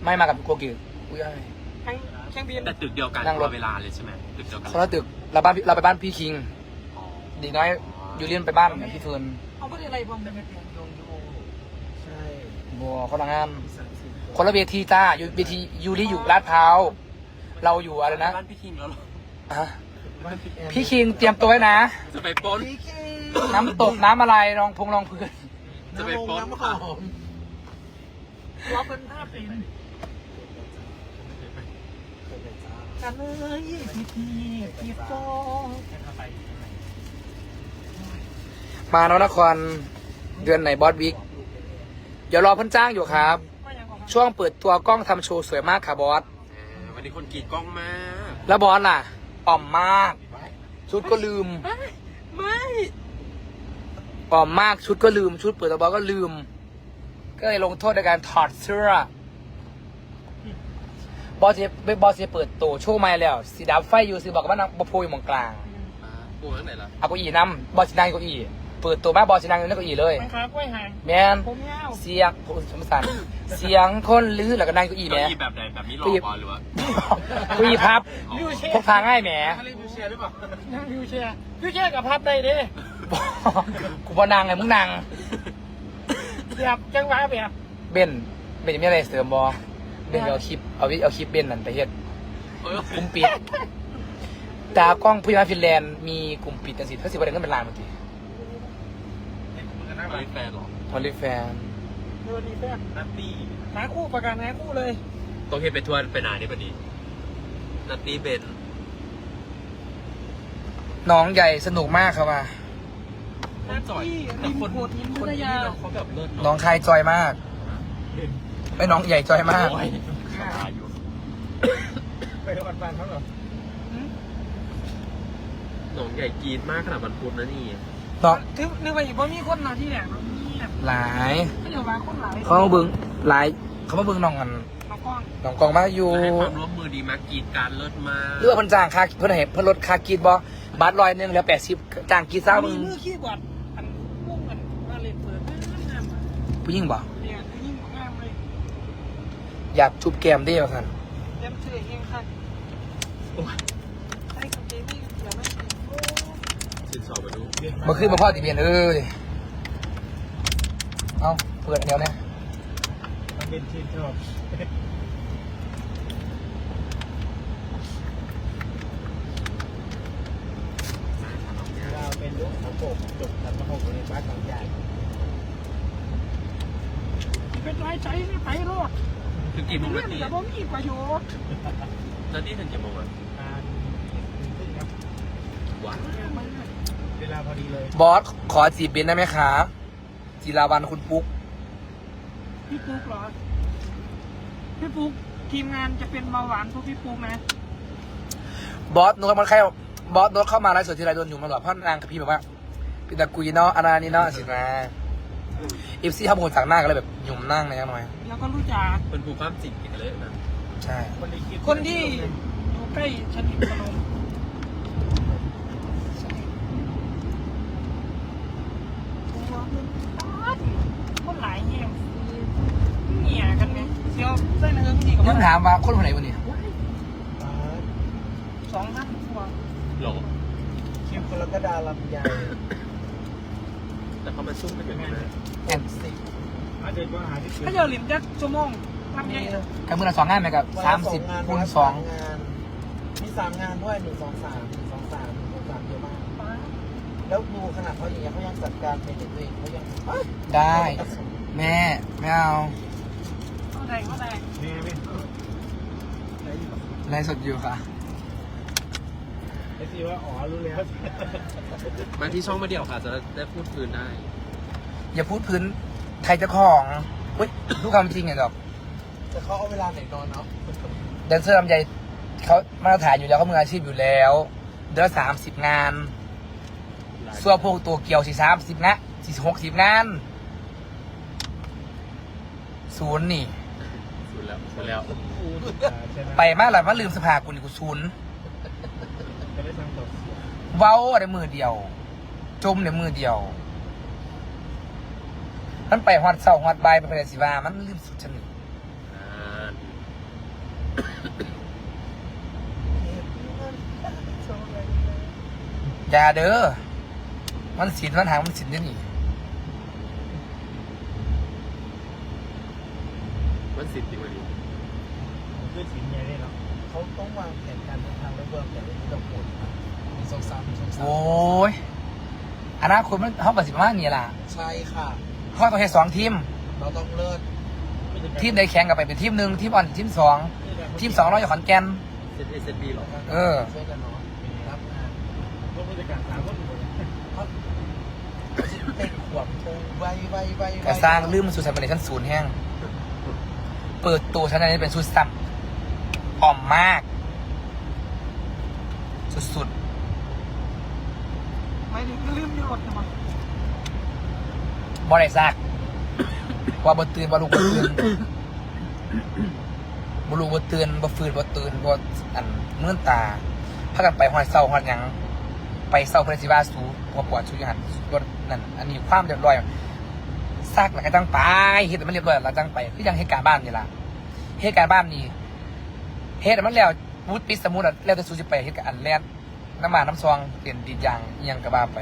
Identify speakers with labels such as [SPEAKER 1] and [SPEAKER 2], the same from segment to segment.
[SPEAKER 1] ไม่มากับโกกิอุ้ยอะไร
[SPEAKER 2] เครื่องบิน
[SPEAKER 3] แต่ตึกเดียวกัน
[SPEAKER 1] นั่งรถ
[SPEAKER 3] เวลาเลยใช่ไหมตึกเดียวกัน
[SPEAKER 1] คนละตึกเราไปบ้านพี่คิง
[SPEAKER 3] อ๋อ
[SPEAKER 1] ดีน้อยยูเลียนไปบ้านพี่เฟิร์น
[SPEAKER 2] เอาไม่ได้อะไรพร้อมกันเป็นยงยูใช่
[SPEAKER 1] บัวคนละงาน คนละเวทีจ้าอยู่เวทียูริอยู่ลาดพร้าวเราอยู่อะไรนะ
[SPEAKER 3] บ้านพี่คิงแล้วเหรอ
[SPEAKER 1] ฮะพี่คิงเตรียมตัวไว้นะ
[SPEAKER 3] จะไปปล้น
[SPEAKER 1] น้ำตกน้ำอะไรรองรองพื้น
[SPEAKER 3] จะไปปล้น
[SPEAKER 2] น้ำห
[SPEAKER 3] ค่ะ
[SPEAKER 2] อมว่าเป็นภาพเป็นกันเลยพี่โฟ
[SPEAKER 1] มาแล้วนครเดือนไหนบอสวิกเดี๋ยวรอเพิ่นจ้างอยู่ครับ ช่วงเปิดตัวกล้องทำโชว์สวยมากค่ะบอส
[SPEAKER 3] วันนี้คนกรีดกล้องมาก
[SPEAKER 1] แล้วบอสล่ะอ่อมมาก ชุดก็ลืม
[SPEAKER 3] ไม่
[SPEAKER 1] อ่อมมากชุดก็ลืม ชุดเปิดตัวบอสก็ลืม ก็เลยลงโทษในการถอดเสื้อบอสจะเปิดตัวโชว์ใหม่แล้วสีดำไฟอยู่ซื้อบอกว่านังบอโพยหมองกลาง
[SPEAKER 3] ปูตั้งไหนล่ะ
[SPEAKER 1] เอาเก้าอี้น้ำบอสนั่งเก้าอี้เปิดตัวมาบอสนั่งอยู่ในเก้าอี้เลย
[SPEAKER 2] มันขากล้วยหาง
[SPEAKER 1] แมน
[SPEAKER 2] ผมยาว
[SPEAKER 1] เสียงสมสันเสียงคนลื้อแล้วก็นั่งเก้าอี้แหม
[SPEAKER 3] เก้าอี้แบบไหนแบบนี้หลอกบอลหรือว่า
[SPEAKER 1] เก้าอี้พับพกพาง่ายแหม
[SPEAKER 2] นั่งวิวแชร์กับพับได้ดิ
[SPEAKER 1] กูบอนั่งไงมึงนั่ง
[SPEAKER 2] แบบจังหวะแบบ
[SPEAKER 1] เบนจะมีอะไรเสริมบอเบนเอาคลิปเอาคลิปเบนนั่นไปเฮ็ด
[SPEAKER 3] เออก
[SPEAKER 1] ลุ่มปิดตากล้องผู้ใหญ่ฟินแลนด์มีกลุ่มปิดจังสิถ้าสิบวันเดือนก็เป็นล้านบางที
[SPEAKER 3] ไม่แฟนหรอ
[SPEAKER 1] พอลิแฟน
[SPEAKER 2] เออดีแป๊บนัตตี้หาคู่ประกันหาคู่เลย
[SPEAKER 3] ต้องเห็นไปทัวร์ไปไหนนี่พอดีนัตตี้เบน
[SPEAKER 1] น้องใหญ่สนุกมากครับว่า
[SPEAKER 2] นัตตี้ริมโขดหินพัทยา
[SPEAKER 3] เขาแบบเลิศ
[SPEAKER 1] น้องคายจอยมากไอ้น้องใหญ่จอยมาก
[SPEAKER 3] โอ้ยขาอยู่
[SPEAKER 2] ไปรถบันเขาเหรอ
[SPEAKER 3] หนองใหญ่กรีดมากขนาดมันพุธนะนี่
[SPEAKER 1] น้อง
[SPEAKER 2] นึกว่าอีกว่ามีคนหนาที่แหลกมีแบบ
[SPEAKER 1] หลาย
[SPEAKER 2] ไม่อยู่มาคนหลาย
[SPEAKER 1] เขามาเบิ้งหลายเขามาเบิ้งน้องกัน
[SPEAKER 2] น้องกล้อง
[SPEAKER 1] น้องกองมาอยู่
[SPEAKER 3] ให้ความร่วมมือดีมากกรีดการเลิศมาก
[SPEAKER 1] เลือกเพิ่นจ้างค่าเพิ่นเห็นเพิ่นลดค่ากีดบาท100เหลือ80จ้างกีดซ่ามึ
[SPEAKER 2] มี
[SPEAKER 1] ง
[SPEAKER 2] มือขี้บอดอันพุ่งกันมาเล่นเปิดงาม
[SPEAKER 1] ผู้หญิงบ่
[SPEAKER 2] เนี่ยยิ่งงามเลย
[SPEAKER 1] อยากจูบแก้มได้ว่าซั่น
[SPEAKER 2] เต็มชื่อเองค่ะใช่กับเจมี่เดี๋ยวไม่
[SPEAKER 3] สินสอดมาดู
[SPEAKER 1] บ่ขึ้นมาพ่อติเบียนเอ้ยเอ้าเปิดอันเดียวเนี่ย
[SPEAKER 2] มันเป็นชื่นชอบเราเป็นลูกของผมจบกันมาหกในบ้านของใหญ่เป็นไรใจไม่ไปรอด
[SPEAKER 3] ถึงกี่โมง
[SPEAKER 2] เรื่
[SPEAKER 3] นา
[SPEAKER 2] อง
[SPEAKER 3] ที
[SPEAKER 2] แต่ผมมีประโยชน์
[SPEAKER 3] นาทีถึงกี่โมงอ่ะว้าว
[SPEAKER 2] เวลาพอดีเลย
[SPEAKER 1] บอสขอจีบเบนได้ไหมคะจิราวันคุณปุ๊ก
[SPEAKER 2] พี่ปุ๊กเหรอพี่ปุ๊กทีมงานจะเป็นเบาหวานพวกพี่ปุ๊กนะ
[SPEAKER 1] บอสโน้ตมันใครบอสโน้ตเข้ามาไลฟ์สดทีไรโดนอยู่มาหลอดเพราะนางกับพี่แบบว่าพี่ตะกุยเนาะอารานี่เนาะสินะเอฟซีเขาเป็นคนสั่งหน้าก็เลยแบบหยุ่มนั่งในยังหน่อย
[SPEAKER 2] แล้วก็รู้จัก
[SPEAKER 3] เป็นผู้ความจริงกันเลยนะ
[SPEAKER 1] ใช่
[SPEAKER 2] คนที่อยู่ใกล้ชนิดพนมคนหลายเงี้ยเหี้ยกันไหมเซียวเส้นเอิงดีก
[SPEAKER 1] ยัง
[SPEAKER 2] ว่า
[SPEAKER 1] ถามว่าคนคนไหนวันนี้
[SPEAKER 2] 2,000กว่า
[SPEAKER 3] หรอ
[SPEAKER 4] คิมกรกฎาลำใหญ่
[SPEAKER 3] แต่เขามาซุ่มกันอย่างนี้นะ
[SPEAKER 1] แอน
[SPEAKER 4] อาจจะว่าหาที่
[SPEAKER 2] ถ้าเดี๋ยวหลิมจะชั่วโมงทำยังไง
[SPEAKER 1] กับมือละ2 งานไหมกับ30 คูณ 2
[SPEAKER 4] งานมี3 งานด้วย1 2 3 เยอะมาก แล้วดูขนาดเขาอย่างเงี้ยเขายังจัดการเป็นตัวเองเขายัง
[SPEAKER 1] ได้ แม่ไม่เอา
[SPEAKER 2] เข้าใจเข้าใจ
[SPEAKER 4] นี่ไม่
[SPEAKER 1] ไลฟ์สดอยู่ค่ะ
[SPEAKER 4] ไอ้ที่ว่าอ๋อรู้แล้ว
[SPEAKER 3] มาที่ช่องมาเดี่ยวค่ะ จะได้พูดคืนได้
[SPEAKER 1] อย่าพูดพื้นใครจะของเฮ้ยพูดความจริงไงดอก
[SPEAKER 4] แต่เขาเอาเวลาไหนนอนเนาะ
[SPEAKER 1] แดนเซอร์ลำไยเขามาตรฐานอยู่แล้วเขามืออาชีพอยู่แล้วเดือนละ30 งานส่วนพวกตัวเกี่ยว40 นะ60 งานศูนย์นี่
[SPEAKER 3] สุดแล้วสุดแล้ว
[SPEAKER 4] ใช่ไหม
[SPEAKER 1] ไปมากเลยว่าลืมสภากูนี่กูศูนย์
[SPEAKER 4] จะได้สร้างตัว
[SPEAKER 1] เว้าในมือเดียว จมในมือเดียวมันไปฮอดเศร้าฮอดใบายไปเลยสิว่ามันลืมสุดชนิด
[SPEAKER 3] อ่า
[SPEAKER 1] อย่าเด้อมันสินมันหางมันสินได้หนิ
[SPEAKER 3] มันสิทธิ์จริงวันนี้
[SPEAKER 4] ด้วยสินใหญ่เลยเนาะเขาต้องวางแผนการเดินทางและเบื้องแต่ละที่เราปวดมีสองสาม
[SPEAKER 1] โอ้ยอนาคตมันเขาประสิทธิ์มากนี่ล่ะ
[SPEAKER 4] ใช่ค่ะ
[SPEAKER 1] เขาต้องให้2 ทีม
[SPEAKER 4] เราต้องเลิศ
[SPEAKER 1] ทีมใดแข่งกับไปเป็นทีม 1ทีมอ่อนทีม 2ทีม 2เราอยู่ขอนแก่น
[SPEAKER 3] เซตเอเซตบีหรอ
[SPEAKER 1] เออ
[SPEAKER 4] ช่วยกันเนาะรับงานร่วมมือการสามคนเขาเต็มขวบโตไว
[SPEAKER 1] กระสร้างลืมมันสู่สัมพันธ์ชั้น0แห้งเปิดตัวชั้นนี้เป็นสุดซ้ำอ่อมมาก สุด
[SPEAKER 2] ไม่ถึงลืมมีรถนะมั้ง
[SPEAKER 1] ๆบ่ได้ซากว่าบ่ตื่นบ่ลุกบ่ตื่นบ่ลุกบ่ตื่นบ่ฟื้นบ่ตื่นบ่อันเมื่อนตาพากันไปฮอดเช้าฮอดหยังไปเช้าเพิ่นสิว่าสูบ่ปวดสูอยู่หั่นรถนั่นอันนี้ความเรียบร้อยซากแล้วก็จังไปเฮ็ดให้มันเรียบร้อยแล้วจังไปคือจังเหตุการณ์บ้านนี่ล่ะเหตุการณ์บ้านนี่เฮ็ดให้มันแล้วมุดปิดสมุดแล้วแต่สูสิไปเฮ็ดกับอันแล่นน้ำมันน้ำซองเปลี่ยนดินยางอิหยังก็ว่าไป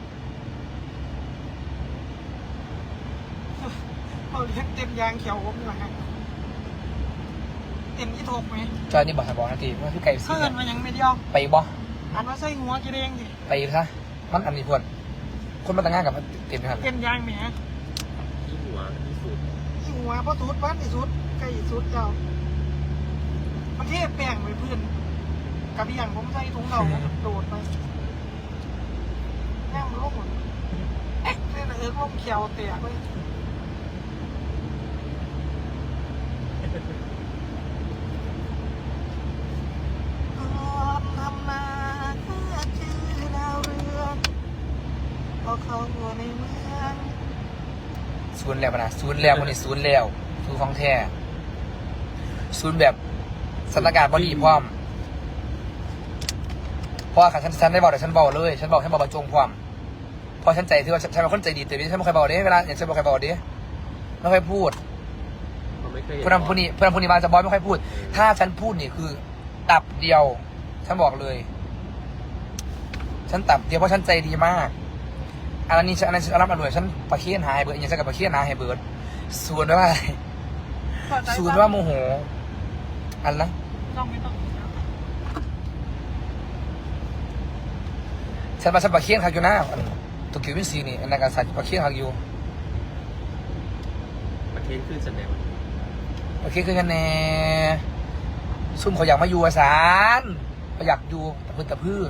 [SPEAKER 2] เราเลี้ยงเต็มยางเขียวผมอยู่นะเต็มยี่ถกไหม
[SPEAKER 1] จอยนี่บอกให้บอกนาทีว่าคือไก่สี
[SPEAKER 2] เพื่อนมันยังไม่เดียว
[SPEAKER 1] ไปบ่
[SPEAKER 2] อันว่าใส่หัวกิเรงดิ
[SPEAKER 1] ไปซะมันอันนี้พวดคนมาแต่งงานกับมันเต็มนะครับ
[SPEAKER 2] เต็มยางแหม
[SPEAKER 3] ที่หัวที่สุด
[SPEAKER 2] ที่หัวเพราะสุดบ้านที่สุดใกล้สุดเจ้ามันเทแป้งไปเพื่อนกับอย่างผมใส่ถุงเราโดดไปแง่มันลงหมดเอ๊ะนี่นะลงเขียวแตกเลยทำนาเพื่อชื่อดาวเรืองพอเขาอยู่ในเมือง
[SPEAKER 1] ศูนย์แล้วนะศูนย์แล้ววันนี้ศูนย์แล้วศูนย์ของแท้ศูนย์แบบสถานการณ์บดีพร้อมเพราะว่าฉันได้บอกแต่ฉันบอกเลยฉันบอกบรรจงพร้อมเพราะฉันใจที่ว่าฉันเป็นคนใจดีแต่ฉันไม่เคยบอกเด้เวลาอย่างฉันไม่เคยบอกเด้ไม่ค่อยพูด
[SPEAKER 3] เขาไม่เคย
[SPEAKER 1] เพื่อนผู้นี้มาจะบอยไม่ค่อยพูด ถ้าฉันพูดนี่คือตับเดียวฉันบอกเลย ฉันตับเดียวเพราะฉันใจดีมากอันนี้ฉันรับมาด้วยฉันประเคียนหายเบิร์ดอย่างฉันกับประเคียนหายเบิร์ดส่วนว่าส่วนว่าโมโหอันนะ
[SPEAKER 2] ต้องไม่ต้อง
[SPEAKER 1] ฉันมาฉันประเคียนเขาอยู่หน้าตัวคิววินซีนี่อันนั้นการสัตว์ประเคียนเขาอยู่
[SPEAKER 3] ประเทศขึ้นแสดง
[SPEAKER 1] ประเคียนคือกันแน่ซุ่มเขาอยากมาอยู่อาสารเขาอยากอยู่ตะพื้นตะพื้น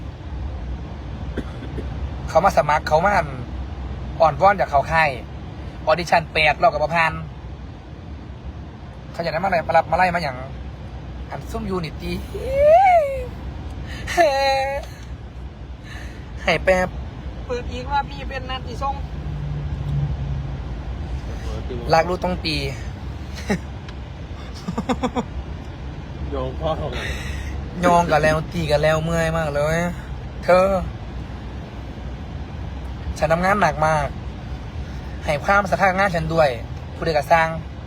[SPEAKER 1] เขามาสมัครเขามาอ่อนว่อนจากเขาค่ายออดิชั่น8 รอบกับประพันธ์เขาอยากได้มาอะไรมาไล่มาอย่างอันซุ่มยูนิตี้ให้แป๊บ
[SPEAKER 2] เปิดอีกว่าพี่เป็นนัดที่ส่ง
[SPEAKER 1] ลากลูกต้องตี
[SPEAKER 3] โยงพ่อของ
[SPEAKER 1] โยงกันแล้วตีกันแล้วเมื่อยมากเลยเธอฉันทำงานหนักมากให้ความสำคัญกับงานฉันด้วยผู้ใดก็สร้าง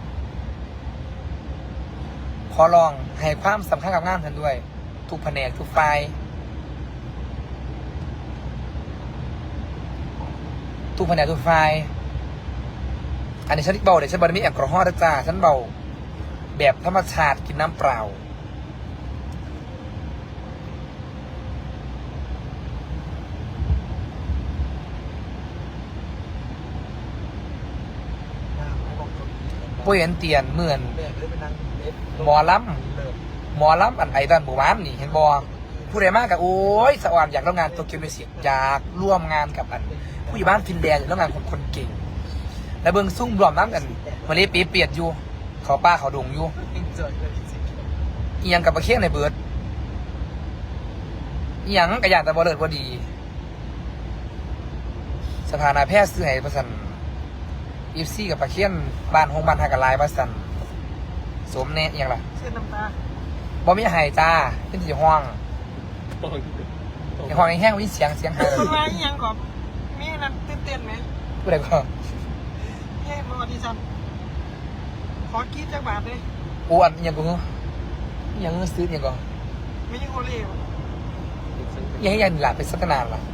[SPEAKER 1] ขอลองให้ความสำคัญกับงานฉันด้วยทุกแผนกทุกฝ่ายทุกแผนกทุกฝ่ายอันนี้ฉันเบาเดี๋ยวฉันบอกมีแอลกอฮอล์นะจ้าฉันเบาแบบธรรมชาติกินน้ำเปล่าผู้เห็นเตียนเหมือนหมอล้ำอันไอตอนหมู่บ้านนี่เห็นบอผู้ใดมากกับโอ้ยสวรรค์อยากร่วมงานโตเกียวมิวสิกอยากร่วมงานกับอันผู้อยู่บ้านฟินแลนด์อยากร่วมงานกับคนเก่งและเบิ้งซุ่มรวมน้ำกันมาเลยปีเปียดอยู่เขาป้าเขาดงอยู่อีหยังกับประเคียงในเบิร์ดอีหยังกระยานแต่บอเลิศพอดีสถานะแพทย์ซื้อให้ประสันอีฟซี่กับประเคียนบ้านหงบ้านหากระลายประสันสมเน่อหยังล่ะ
[SPEAKER 2] เส้นน้ำตา
[SPEAKER 1] บ่มีหายจ้าขึ้นที่ห้องในห้องแห้งวิเสียงหาย
[SPEAKER 2] คนร้ายยังก่อนมีนั่นเต้นไหม
[SPEAKER 1] ผู้ใดก็
[SPEAKER 2] เฮ้ยมาอดิชั่นขอกีดจากบาทเลย
[SPEAKER 1] อ้วนอิหยังกูยังซื้อยังก่อน
[SPEAKER 2] ไม่ใช่โอเล่
[SPEAKER 1] ยังให้ยันหลาเป็นสักนานวะ